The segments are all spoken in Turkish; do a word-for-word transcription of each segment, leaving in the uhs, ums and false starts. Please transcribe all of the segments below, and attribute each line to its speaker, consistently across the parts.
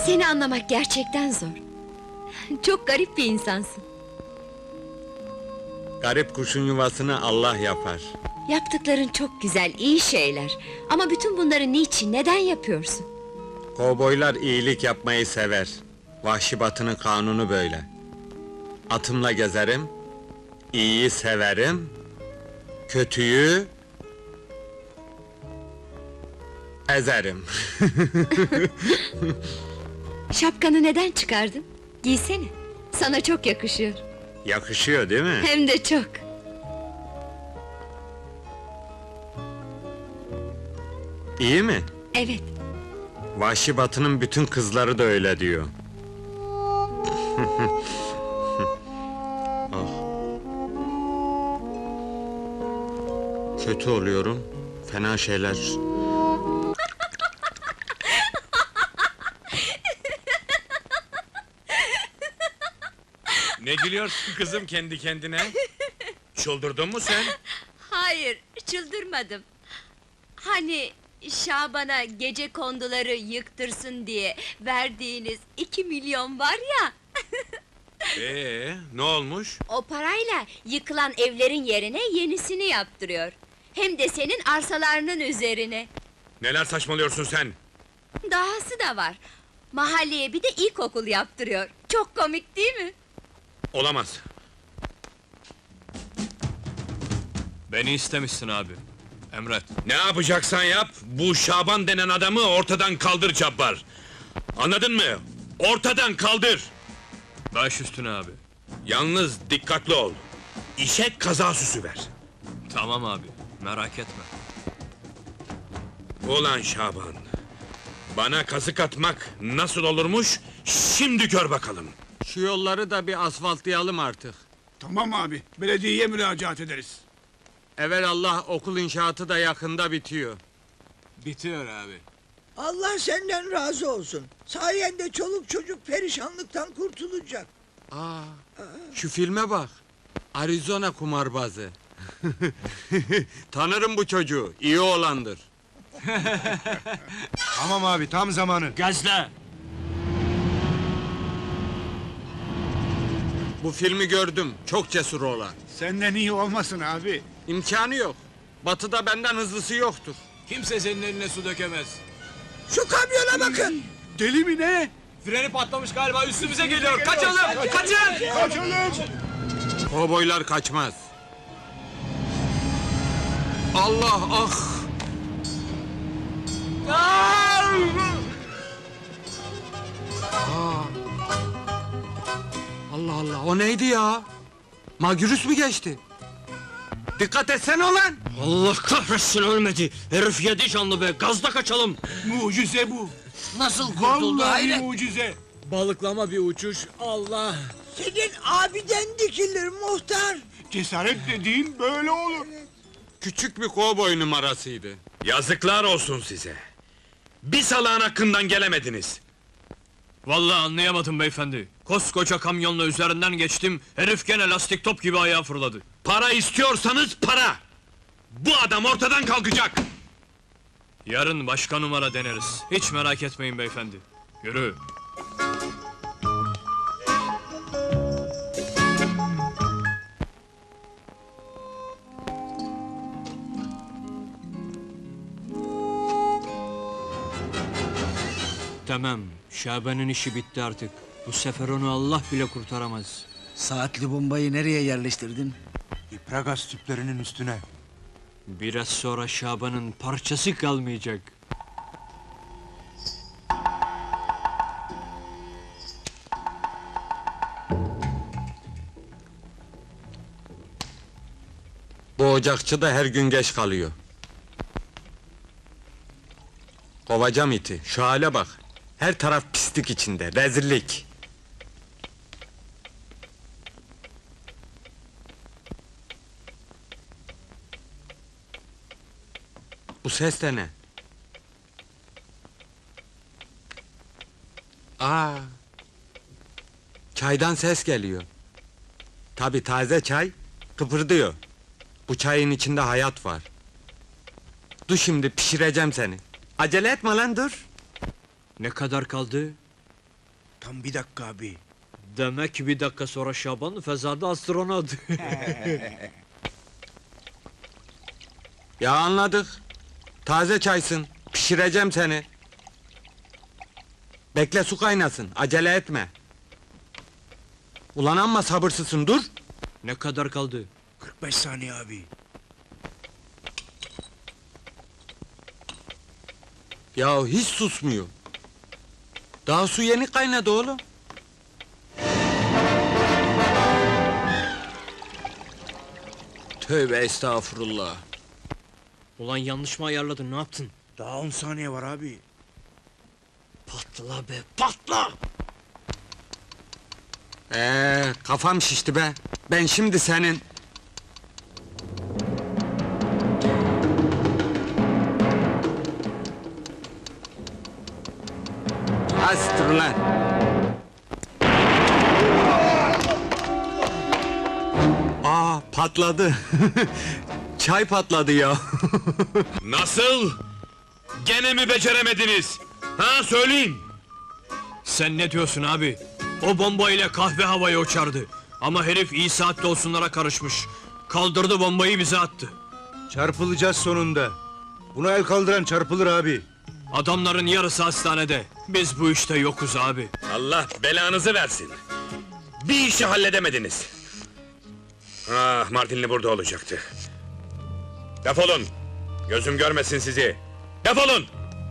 Speaker 1: Seni anlamak gerçekten zor. Çok garip bir insansın.
Speaker 2: Garip kuşun yuvasını Allah yapar.
Speaker 1: Yaptıkların çok güzel, iyi şeyler. Ama bütün bunları niçin, neden yapıyorsun?
Speaker 2: Kovboylar iyilik yapmayı sever. Vahşi Batı'nın kanunu böyle. Atımla gezerim, iyiyi severim, kötüyü ezerim.
Speaker 1: Şapkanı neden çıkardın? Giysene, sana çok yakışıyor.
Speaker 2: Yakışıyor değil mi?
Speaker 1: Hem de çok.
Speaker 2: İyi mi?
Speaker 1: Evet.
Speaker 2: Vahşi Batı'nın bütün kızları da öyle diyor. Ah. Kötü oluyorum, fena şeyler.
Speaker 3: Ne gülüyorsun kızım kendi kendine? Çıldırdın mı sen?
Speaker 1: Hayır, çıldırmadım. Hani Şaban'a gece konduları yıktırsın diye verdiğiniz iki milyon var ya...
Speaker 3: Ee, ne olmuş?
Speaker 1: O parayla yıkılan evlerin yerine yenisini yaptırıyor. Hem de senin arsalarının üzerine.
Speaker 3: Neler saçmalıyorsun sen?
Speaker 1: Dahası da var. Mahalleye bir de ilkokul yaptırıyor. Çok komik değil mi?
Speaker 3: Olamaz.
Speaker 4: Beni istemişsin abi. Emret.
Speaker 3: Ne yapacaksan yap, bu Şaban denen adamı ortadan kaldır Cabbar. Anladın mı? Ortadan kaldır!
Speaker 4: Baş üstüne abi.
Speaker 3: Yalnız dikkatli ol. İşe kaza süsü ver.
Speaker 4: Tamam abi, merak etme.
Speaker 3: Ulan Şaban! Bana kazık atmak nasıl olurmuş, şimdi gör bakalım.
Speaker 2: Şu yolları da bir asfaltlayalım artık.
Speaker 5: Tamam abi, belediyeye müracaat ederiz.
Speaker 2: Evelallah okul inşaatı da yakında bitiyor.
Speaker 4: Bitiyor abi.
Speaker 6: Allah senden razı olsun. Sayende çoluk çocuk perişanlıktan kurtulacak.
Speaker 2: Aa, şu filme bak. Arizona kumarbazı. Tanırım bu çocuğu, iyi oğlandır.
Speaker 5: Tamam abi, tam zamanı.
Speaker 4: Gazla!
Speaker 2: Bu filmi gördüm, çok cesur oğlan.
Speaker 5: Senden iyi olmasın abi.
Speaker 2: İmkanı yok. Batı'da benden hızlısı yoktur.
Speaker 4: Kimse senin eline su dökemez.
Speaker 6: Şu kamyona bakın.
Speaker 5: Deli mi ne?
Speaker 4: Freni patlamış galiba, üstümüze geliyor! Kaçalım! Kaçın!
Speaker 5: Kaçalım!
Speaker 2: Kovboylar kaçmaz. Allah ah! Aa! Allah Allah, o neydi ya? Magürüs mü geçti? Dikkat etsene ulan!
Speaker 4: Allah kahretsin ölmedi! Herif yedi canlı be, gazla kaçalım!
Speaker 5: Mucize bu.
Speaker 4: Nasıl kurtuldu
Speaker 5: Vallahi
Speaker 4: hayret?
Speaker 5: mucize.
Speaker 4: Balıklama bir uçuş, Allah!
Speaker 6: Senin abiden dikilir muhtar.
Speaker 5: Cesaret dediğin böyle olur.
Speaker 2: Küçük bir kovboy numarasıydı.
Speaker 3: Yazıklar olsun size! Bir salağın hakkından gelemediniz!
Speaker 4: Vallahi anlayamadım beyefendi. Koskoca kamyonla üzerinden geçtim, herif gene lastik top gibi ayağa fırladı.
Speaker 3: Para istiyorsanız para! Bu adam ortadan kalkacak!
Speaker 4: Yarın başka numara deneriz. Hiç merak etmeyin beyefendi. Yürü! Tamam, Şaban'ın işi bitti artık. Bu sefer onu Allah bile kurtaramaz.
Speaker 7: Saatli bombayı nereye yerleştirdin?
Speaker 5: İpragaz tüplerinin üstüne.
Speaker 4: Biraz sonra Şaban'ın parçası kalmayacak.
Speaker 2: Bu ocakçı da her gün geç kalıyor. Kovacağım iti, şu hale bak. Her taraf pislik içinde, rezillik. Bu ses de ne? Aa! Çaydan ses geliyor. Tabii taze çay, kıpırdıyor. Bu çayın içinde hayat var. Dur şimdi pişireceğim seni. Acele etme lan dur.
Speaker 4: Ne kadar kaldı?
Speaker 5: Tam bir dakika abi.
Speaker 4: Demek ki bir dakika sonra Şaban fezada astronot.
Speaker 2: Ya anladık. Taze çaysın. Pişireceğim seni. Bekle su kaynasın. Acele etme. Ulan amma sabırsızsın dur.
Speaker 4: Ne kadar kaldı?
Speaker 5: kırk beş saniye abi.
Speaker 2: Ya hiç susmuyor. Daha su yeni kaynadı oğlum.
Speaker 4: Tövbe estağfurullah. Ulan yanlış mı ayarladın, ne yaptın?
Speaker 5: Daha on saniye var abi.
Speaker 4: Patla be, patla!
Speaker 2: Ee, kafam şişti be. Ben şimdi senin... Astır lan. Aa, patladı. Çay patladı ya.
Speaker 3: Nasıl? Gene mi beceremediniz? Ha söyleyin.
Speaker 4: Sen ne diyorsun abi? O bombayla kahve havaya uçardı. Ama herif iyi saatte olsunlara karışmış. Kaldırdı bombayı bize attı.
Speaker 5: Çarpılacağız sonunda. Buna el kaldıran çarpılır abi.
Speaker 4: Adamların yarısı hastanede. Biz bu işte yokuz abi.
Speaker 3: Allah belanızı versin. Bir işi halledemediniz. Ah, Martinli burada olacaktı. Defolun. Gözüm görmesin sizi. Defolun.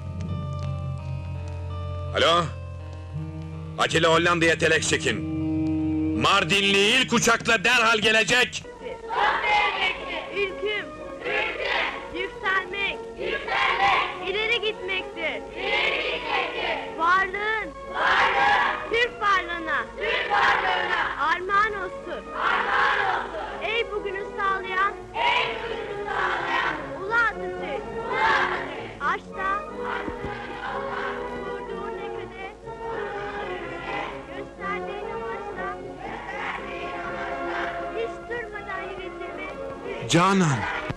Speaker 3: Alo? Acele Hollanda'ya telek çekin. Mardinli ilk uçakla derhal gelecek.
Speaker 8: Ülküm. Yükselmek. Yükselmek. İleri gitmektir. İleri gitmektir. Varlığın. Varlığın. Türk varlığına. Türk varlığına. Armağan olsun. Armağan olsun. Ey bugünü sağlayan. Ey bugünü sağlayan. Ulu Atatürk. Ulu Atatürk. Aşta. Kurduğun ülkede. Gösterdiğin amaçla. Gösterdiğin amaçla. Hiç durmadan yönetimi.
Speaker 2: Canan.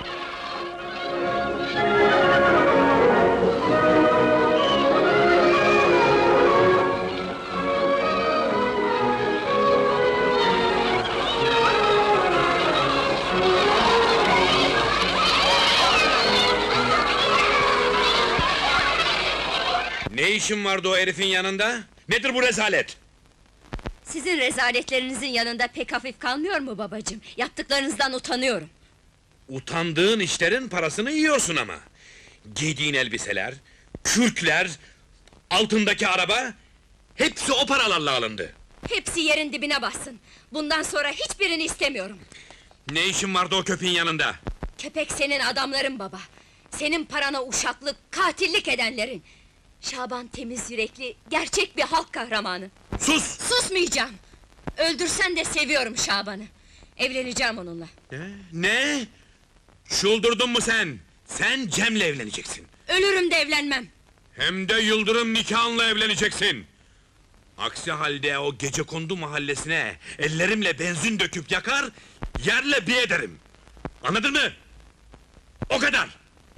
Speaker 3: Ne işin vardı o herifin yanında? Nedir bu rezalet?
Speaker 1: Sizin rezaletlerinizin yanında pek hafif kalmıyor mu babacığım? Yaptıklarınızdan utanıyorum.
Speaker 3: Utandığın işlerin parasını yiyorsun ama. Giydiğin elbiseler, kürkler, altındaki araba... ...hepsi o paralarla alındı.
Speaker 1: Hepsi yerin dibine bassın. Bundan sonra hiçbirini istemiyorum.
Speaker 3: Ne işin vardı o köpeğin yanında?
Speaker 1: Köpek senin adamların baba. Senin parana uşaklık, katillik edenlerin. Şaban temiz yürekli, gerçek bir halk kahramanı.
Speaker 3: Sus!
Speaker 1: Susmayacağım! Öldürsen de seviyorum Şaban'ı. Evleneceğim onunla.
Speaker 3: Ne? Ne? Çıldırdın mı sen? Sen Cem'le evleneceksin.
Speaker 1: Ölürüm de evlenmem.
Speaker 3: Hem de Yıldırım nikahınla evleneceksin. Aksi halde o Gecekondu mahallesine ellerimle benzin döküp yakar, yerle bir ederim. Anladın mı? O kadar!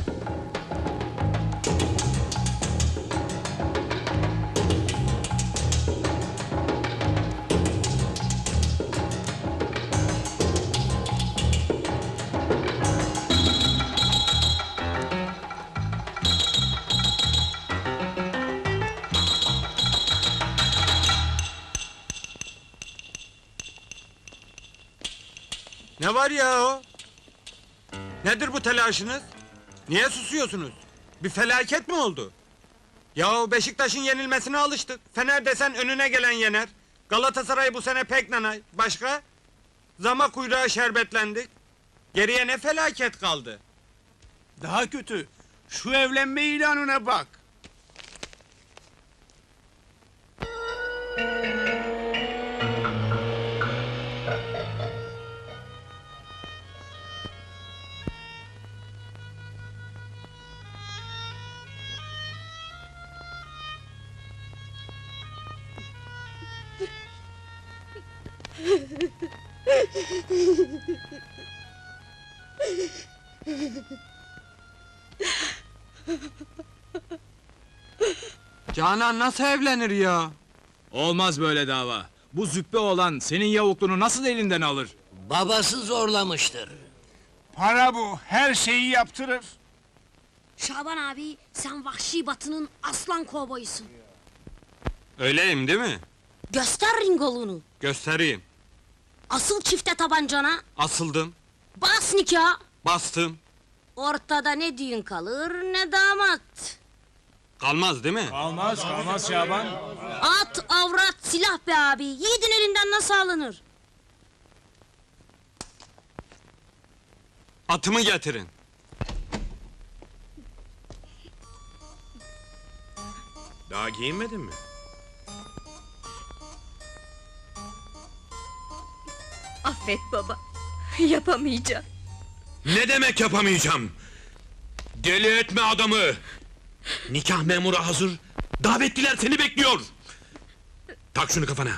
Speaker 2: Ne var ya o? Nedir bu telaşınız? Niye susuyorsunuz? Bir felaket mi oldu? Ya Beşiktaş'ın yenilmesine alıştık. Fener desen önüne gelen yener. Galatasaray bu sene pek nanay. Başka? Zama kuyruğa şerbetlendik. Geriye ne felaket kaldı?
Speaker 5: Daha kötü. Şu evlenme ilanına bak.
Speaker 2: Canan nasıl evlenir ya?
Speaker 9: Olmaz böyle dava. Bu züppe olan senin yavukluğunu nasıl elinden alır?
Speaker 7: Babası zorlamıştır.
Speaker 5: Para bu, her şeyi yaptırır.
Speaker 8: Şaban abi, sen Vahşi Batı'nın aslan kovboyusun.
Speaker 2: Öyleyim değil mi?
Speaker 8: Göster ringolunu.
Speaker 2: Göstereyim.
Speaker 8: Asıl çifte tabancana,
Speaker 2: Asıldım,
Speaker 8: bas nikah.
Speaker 2: bastım.
Speaker 8: Ortada ne düğün kalır ne damat.
Speaker 2: Kalmaz değil mi?
Speaker 9: Almaz, almaz Şaban.
Speaker 8: At, avrat, silah be abi. Yiğidin elinden nasıl alınır?
Speaker 2: Atımı getirin.
Speaker 3: Daha giyinmedin mi?
Speaker 1: Affet baba. Yapamayacağım.
Speaker 3: Ne demek yapamayacağım? Deli etme adamı! Nikah memuru hazır, davetliler seni bekliyor! Tak şunu kafana!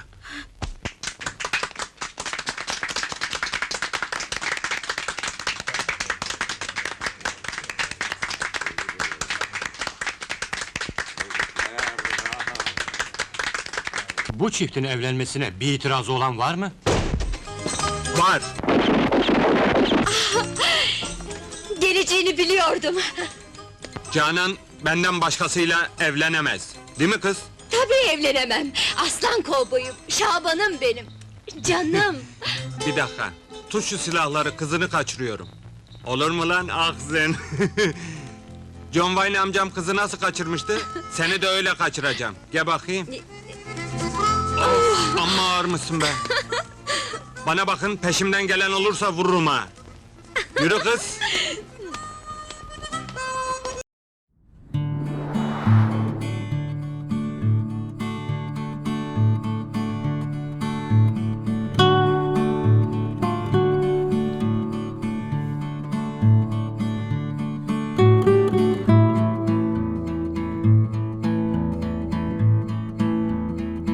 Speaker 10: Bu çiftin evlenmesine bir itirazı olan var mı?
Speaker 2: Var.
Speaker 1: Geleceğini biliyordum.
Speaker 2: Canan benden başkasıyla evlenemez. Değil mi kız?
Speaker 1: Tabii evlenemem. Aslan kovboyum, Şaban'ım benim. Canım.
Speaker 2: Bir dakika. Tut şu silahları, kızını kaçırıyorum. Olur mu lan ahzen? John Wayne amcam kızı nasıl kaçırmıştı? Seni de öyle kaçıracağım. Gel bakayım. Of, amma ağır mısın be? Bana bakın, peşimden gelen olursa vururum ha. Yürü kız.